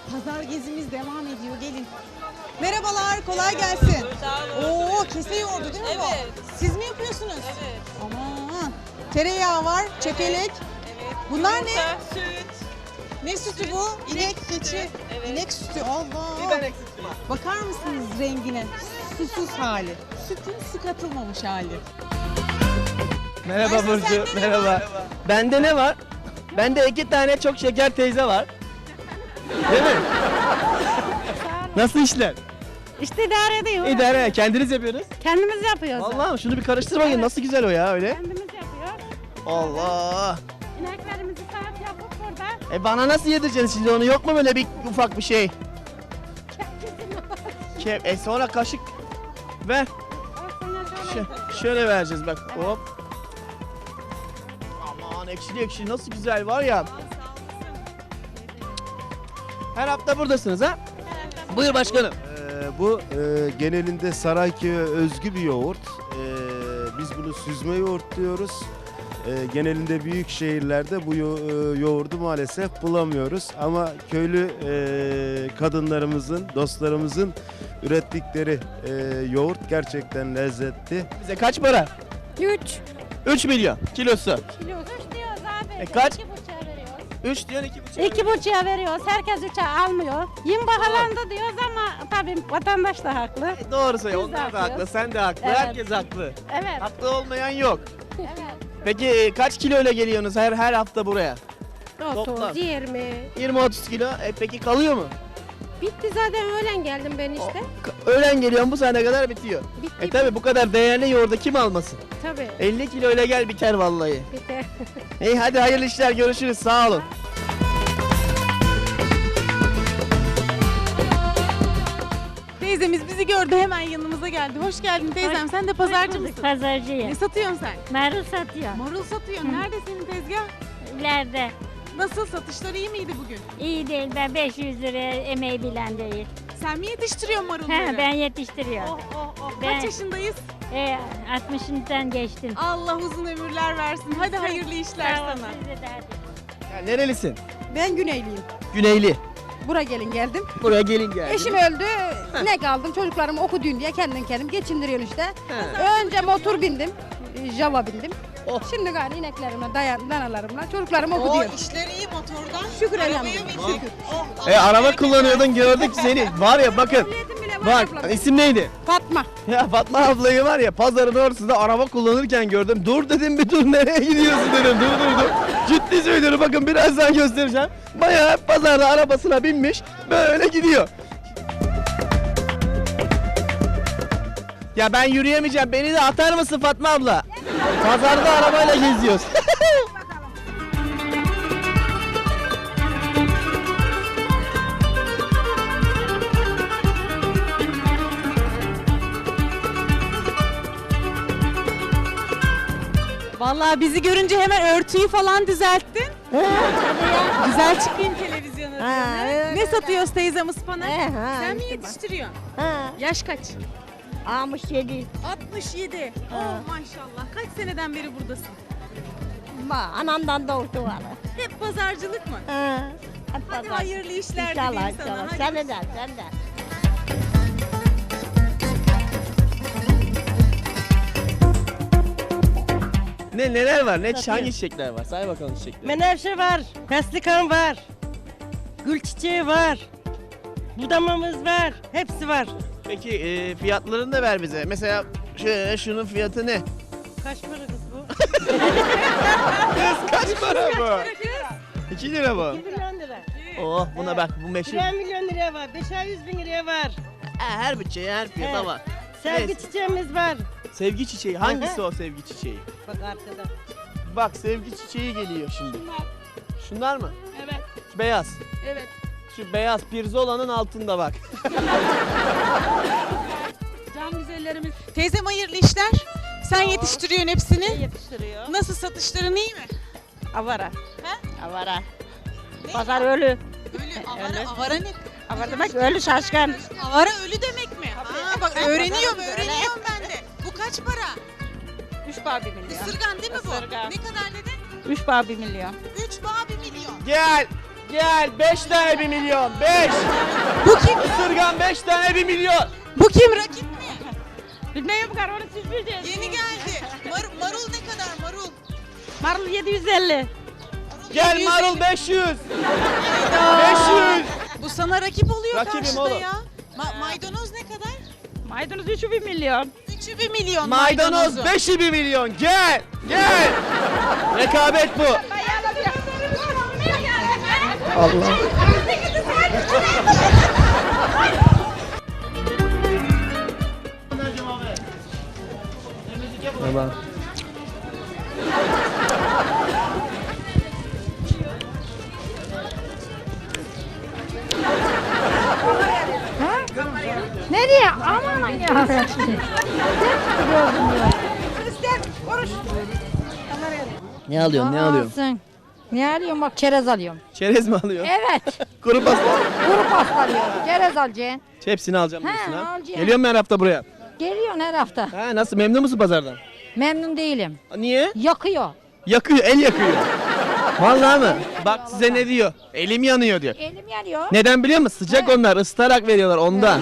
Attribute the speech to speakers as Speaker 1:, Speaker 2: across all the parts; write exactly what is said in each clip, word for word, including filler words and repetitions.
Speaker 1: Pazar gezimiz devam ediyor. Gelin. Merhabalar, kolay gelsin.
Speaker 2: Sağ olun.
Speaker 1: Oo, kese yoğurdu değil mi
Speaker 2: Evet.
Speaker 1: bu? Siz mi yapıyorsunuz?
Speaker 2: Evet.
Speaker 1: Aman. Tereyağı var, çökelek.
Speaker 2: Evet.
Speaker 1: Bunlar
Speaker 2: Yumurta,
Speaker 1: ne?
Speaker 2: süt.
Speaker 1: Ne sütü
Speaker 2: Süt,
Speaker 1: bu? İnek,
Speaker 2: inek sütü.
Speaker 1: keçi.
Speaker 2: Evet.
Speaker 1: İnek sütü. Allah.
Speaker 2: Biber ekşisi.
Speaker 1: Bakar mısınız rengine? Susuz hali. Sütün su katılmamış hali.
Speaker 3: Merhaba
Speaker 1: Ayşe,
Speaker 3: Burcu,
Speaker 1: sende ne
Speaker 3: merhaba.
Speaker 1: var?
Speaker 3: Bende ne var? Bende iki tane çok şeker teyze var. Değil mi? Nasıl işler?
Speaker 4: İşte idare ediyor.
Speaker 3: İdare, kendiniz yapıyorsunuz.
Speaker 4: Kendimiz yapıyoruz.
Speaker 3: Vallahi şunu bir karıştır bakayım, nasıl güzel o ya öyle.
Speaker 4: Kendimiz yapıyoruz.
Speaker 3: Allah.
Speaker 4: İneklerimizi saat yapıp burada.
Speaker 3: E bana nasıl yedireceksiniz şimdi onu, yok mu böyle bir ufak bir şey? Ke e sonra kaşık ver. Ş- şöyle vereceğiz bak, hop. Aman ekşili ekşili nasıl güzel var ya. Her hafta buradasınız ha? Buyur başkanım.
Speaker 5: Ee, bu e, genelinde Sarayköy'e özgü bir yoğurt. Ee, biz bunu süzme yoğurt diyoruz. Ee, genelinde büyük şehirlerde bu yo- e, yoğurdu maalesef bulamıyoruz. Ama köylü e, kadınlarımızın, dostlarımızın ürettikleri e, yoğurt gerçekten lezzetli.
Speaker 3: Bize kaç para?
Speaker 4: Üç.
Speaker 3: üç milyon kilosu.
Speaker 4: Kilo. Üç diyoruz abi.
Speaker 3: E kaç?
Speaker 4: İki buçuğa veriyoruz.
Speaker 3: üç diyorsun iki buçuk.
Speaker 4: İki buçuğa veriyoruz. Herkes üçe almıyor. Yün bahalandı diyoruz ama tabii vatandaş da haklı.
Speaker 3: E, doğru söylüyor.
Speaker 4: Biz de
Speaker 3: Onlar da haklı,
Speaker 4: haklıyız.
Speaker 3: sen de haklı.
Speaker 4: Evet.
Speaker 3: Herkes haklı.
Speaker 4: Evet.
Speaker 3: Haklı olmayan yok.
Speaker 4: Evet.
Speaker 3: Peki e, kaç kiloyla geliyorsunuz her her hafta buraya? Toplam.
Speaker 6: otuz, yirmi.
Speaker 3: yirmi otuz kilo. E, peki kalıyor mu?
Speaker 6: Bitti zaten öğlen geldim ben işte.
Speaker 3: Ka- Öğlen geliyorum, bu saate kadar bitiyor.
Speaker 6: Bitti.
Speaker 3: E tabi bu kadar değerli yoğurdu kim almasın?
Speaker 6: Tabii.
Speaker 3: elli kiloyla gel biter vallahi.
Speaker 6: Bitti.
Speaker 3: İyi hadi hayırlı işler, görüşürüz, sağ olun.
Speaker 1: Teyzemiz bizi gördü, hemen yanımıza geldi. Hoş geldin teyzem. Sen de pazarcı mısın?
Speaker 4: Pazarcıyım.
Speaker 1: Ne satıyorsun sen?
Speaker 4: Marul satıyor.
Speaker 1: Marul satıyorsun. Nerede senin tezgah?
Speaker 4: İleride.
Speaker 1: Nasıl, satışlar iyi miydi bugün?
Speaker 4: İyi değil, ben beş yüz liraya emeği bilen değil.
Speaker 1: Sen mi yetiştiriyorsun marulları?
Speaker 4: He, ben yetiştiriyorum.
Speaker 1: Oh oh oh.
Speaker 4: Ben-
Speaker 1: Kaç yaşındayız?
Speaker 4: E, altmışından geçtim.
Speaker 1: Allah uzun ömürler versin. Hadi hayırlı işler
Speaker 4: Sağ ol,
Speaker 1: sana.
Speaker 4: size de hadi.
Speaker 3: Ya nerelisin?
Speaker 7: Ben Güneyliyim.
Speaker 3: Güneyli.
Speaker 7: Buraya gelin geldim.
Speaker 3: Buraya gelin geldi.
Speaker 7: Eşim öldü. Ne kaldım? Çocuklarımı okudun diye kendim kendim geçindiriyorum işte. Önce motor bindim. Java bindim.
Speaker 3: Oh.
Speaker 7: Şimdi gari ineklerimle, dayan, danalarımla çocuklarımı
Speaker 1: O
Speaker 7: okutuyorum.
Speaker 1: işleri iyi motordan.
Speaker 7: Şükür
Speaker 1: Arabaya
Speaker 7: elhamdülillah.
Speaker 1: bindik. Oh,
Speaker 3: E
Speaker 1: Allah
Speaker 3: araba
Speaker 1: bereket
Speaker 3: kullanıyordun, gördük seni. Var ya bakın.
Speaker 7: Ehliyetim bile var
Speaker 3: Bak
Speaker 7: ablam.
Speaker 3: isim neydi?
Speaker 7: Fatma.
Speaker 3: Ya Fatma ablayı var ya pazarın ortasında araba kullanırken gördüm. Dur dedim, bir dur, nereye gidiyorsun dedim. Dur dur dur. Ciddi söylüyorum, bakın birazdan göstereceğim. Bayağı pazarda arabasına binmiş böyle gidiyor. Ya ben yürüyemeyeceğim, beni de atar mısın Fatma abla? Pazarda arabayla geziyoruz.
Speaker 1: Vallahi bizi görünce hemen örtüyü falan düzelttin. Güzel çıkayım televizyona.
Speaker 6: Ha, öyle,
Speaker 1: Ne satıyoruz teyzem, ıspanak?
Speaker 6: He, ha,
Speaker 1: Sen mi
Speaker 6: işte
Speaker 1: yetiştiriyorsun?
Speaker 6: Ha,
Speaker 1: Yaş kaç?
Speaker 6: altmış yedi.
Speaker 1: altmış yedi. Oh maşallah. Kaç seneden beri buradasın?
Speaker 6: Ma, anamdan doğdu var.
Speaker 1: Hep pazarcılık mı?
Speaker 6: Ha. hep
Speaker 1: Hadi
Speaker 6: pazar.
Speaker 1: hayırlı işler
Speaker 6: İnşallah,
Speaker 1: dileyim sana.
Speaker 6: inşallah.
Speaker 1: Hadi.
Speaker 6: Sen de, sen de.
Speaker 3: Ne neler var? Ne hangi çiçekler var? Say bakalım çiçekleri.
Speaker 8: Menevşe var, feslikan var, gül çiçeği var, budamamız var, hepsi var.
Speaker 3: Peki e, fiyatlarını da ver bize. Mesela şöyle şunun fiyatı ne?
Speaker 8: Kaç para kız bu?
Speaker 3: Kız kaç para bu? iki lira bu.
Speaker 8: iki milyon lira.
Speaker 3: Oh buna bak, bu meşhur.
Speaker 8: Bir milyon liraya var, beşer yüz bin liraya var.
Speaker 3: Ha, her bütçeye her fiyata
Speaker 8: Evet.
Speaker 3: var.
Speaker 8: Sevgi
Speaker 3: Evet.
Speaker 8: çiçeğimiz var.
Speaker 3: Sevgi çiçeği. Hangisi
Speaker 8: Hı hı.
Speaker 3: o sevgi çiçeği?
Speaker 8: Bak arkada.
Speaker 3: Bak sevgi çiçeği geliyor şimdi. Şunlar mı?
Speaker 1: Evet.
Speaker 3: Şu beyaz.
Speaker 1: Evet.
Speaker 3: Şu beyaz pirzolanın altında bak.
Speaker 1: Can güzellerimiz. Teyzem hayırlı işler. Sen yetiştiriyorsun hepsini.
Speaker 8: Yetiştiriyor.
Speaker 1: Nasıl, satışların iyi mi?
Speaker 8: Avara.
Speaker 1: He?
Speaker 8: Avara.
Speaker 1: Ne?
Speaker 8: Pazar ölü.
Speaker 1: Ölü. Avara, avara ne?
Speaker 8: Avara demek ölü şaşkın.
Speaker 1: Avara ölü demek mi? Aa, bak öğreniyorum, öğreniyorum ben de. Bu kaç para?
Speaker 8: Üç bağ bir milyon.
Speaker 1: Isırgan değil mi bu?
Speaker 8: Isırgan.
Speaker 1: Ne kadar dedin?
Speaker 8: Üç bağ bir milyon.
Speaker 1: Üç bağ bir milyon.
Speaker 3: Gel. Gel beş tane bir milyon. beş.
Speaker 1: Bu kim?
Speaker 3: Isırgan beş tane bir milyon.
Speaker 1: Bu kim rakip mi?
Speaker 4: Bilmiyorum kar onu siz bileceksiniz.
Speaker 1: Yeni geldi. Mar- marul ne kadar marul?
Speaker 4: Marul yedi yüz elli.
Speaker 3: Gel marul beş yüz. beş yüz.
Speaker 1: Bu sana rakip oluyor
Speaker 3: Rakibim
Speaker 1: karşıda
Speaker 3: oğlum.
Speaker 1: ya. Ma- maydanoz ne kadar?
Speaker 4: Maydanoz üçü bir milyon.
Speaker 1: Üçü bir milyon
Speaker 3: Maydanoz
Speaker 1: maydanozu.
Speaker 3: beşi bir milyon. Gel. Gel. Rekabet bu. Allah. Merhaba.
Speaker 7: Nereye? Aman ya.
Speaker 3: Ne alıyorsun? Ne alıyorsun?
Speaker 7: Alsın. Ne alıyorum bak çerez alıyorum.
Speaker 3: Çerez mi alıyorsun?
Speaker 7: Evet.
Speaker 3: Kuru pasta.
Speaker 7: Kuru pasta alıyorum. Çerez alacaksın.
Speaker 3: Hepsini alacağım
Speaker 7: He,
Speaker 3: diyorsun ha.
Speaker 7: alacağım.
Speaker 3: Geliyor mu her hafta buraya?
Speaker 7: Geliyorsun her hafta.
Speaker 3: Ha, nasıl memnun musun pazardan?
Speaker 7: Memnun değilim.
Speaker 3: Niye?
Speaker 7: Yakıyor.
Speaker 3: Yakıyor, el yakıyor. Vallahi mı? Bak size ne diyor? Elim yanıyor diyor.
Speaker 7: Elim yanıyor.
Speaker 3: Neden biliyor musun? Sıcak onlar, ısıtarak veriyorlar ondan.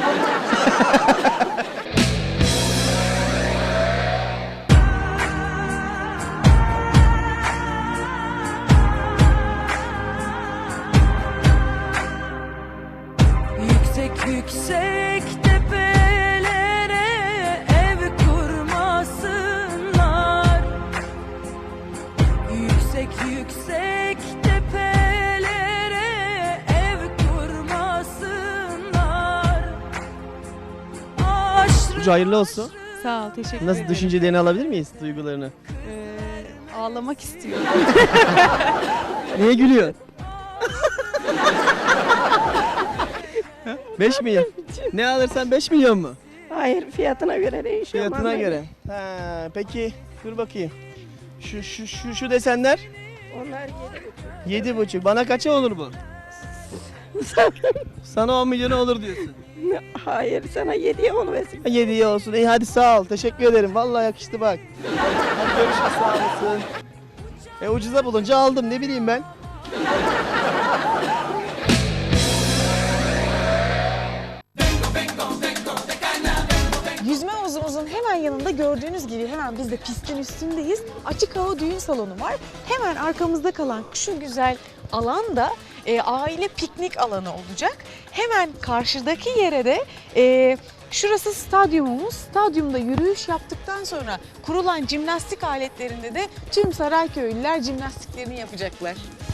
Speaker 2: Yüksek yüksek tepelere ev kurmasınlar. Yüksek yüksek tepelere ev kurmasınlar. Aşrı
Speaker 3: Burcu hayırlı olsun.
Speaker 1: Sağ ol, teşekkür
Speaker 3: Nasıl düşüncelerini alabilir miyiz, duygularını?
Speaker 1: Ee, ağlamak istiyorum.
Speaker 3: Niye gülüyorsun? beş milyon. Ne alırsan beş milyon mu?
Speaker 6: Hayır fiyatına göre değişiyor.
Speaker 3: Fiyatına göre. Ha, peki dur bakayım. Şu şu şu şu desenler
Speaker 6: Onlar yedi buçuk.
Speaker 3: yedi buçuk. Bana kaça olur bu? Sana on milyona olur diyorsun.
Speaker 6: Hayır sana yediye onu versin.
Speaker 3: yediye olsun. İyi hadi sağ ol. Teşekkür ederim. Vallahi yakıştı bak. Hadi görüşürüz sağ olasın. E ucuza bulunca aldım ne bileyim ben.
Speaker 9: Yüzme havuzumuzun hemen yanında gördüğünüz gibi hemen biz de pistin üstündeyiz. Açık hava düğün salonu var. Hemen arkamızda kalan şu güzel alan da e, aile piknik alanı olacak. Hemen karşıdaki yere de e, şurası stadyumumuz. Stadyumda yürüyüş yaptıktan sonra kurulan jimnastik aletlerinde de tüm Sarayköylüler jimnastiklerini yapacaklar.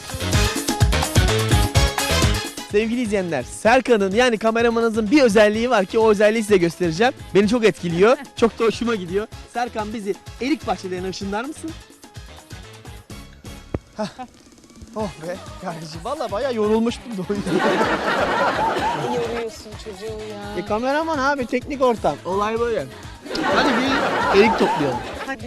Speaker 3: Sevgili izleyenler, Serkan'ın yani kameramanınızın bir özelliği var ki o özelliği size göstereceğim. Beni çok etkiliyor. Çok da hoşuma gidiyor. Serkan bizi erik bahçelerine ışınlar mısın? Hah. Oh be kardeşim valla bayağı yorulmuştum da o yüzden.
Speaker 9: Ne yoruyorsun çocuğu ya.
Speaker 3: E kameraman abi teknik ortam. Olay böyle. Hadi bir erik toplayalım.
Speaker 9: Hadi.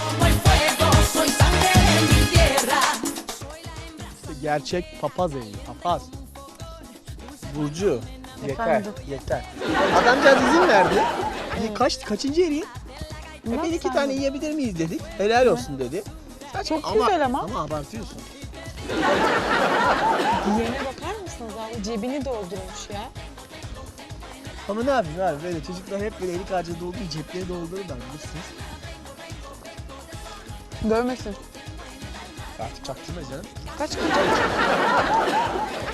Speaker 3: İşte gerçek papaz eriği. Papaz. Burcu. Yeter.
Speaker 9: Efendim?
Speaker 3: Yeter. Adamcağız izin verdi. E, kaç, kaçıncı eriği? E, bir iki tane yiyebilir miyiz dedik. Helal olsun dedi. Saçma.
Speaker 9: Çok güzel ama.
Speaker 3: Ama abartıyorsun.
Speaker 9: Diyene bakar mısınız abi? Cebini doldurmuş ya.
Speaker 3: Ama ne yapayım abi böyle çocuklar hep böyle erik ağacı dolduğu cepleri doldururlar bilirsiniz.
Speaker 9: Dövmesin.
Speaker 3: Artık çaktırma canım.
Speaker 9: Kaç kaç?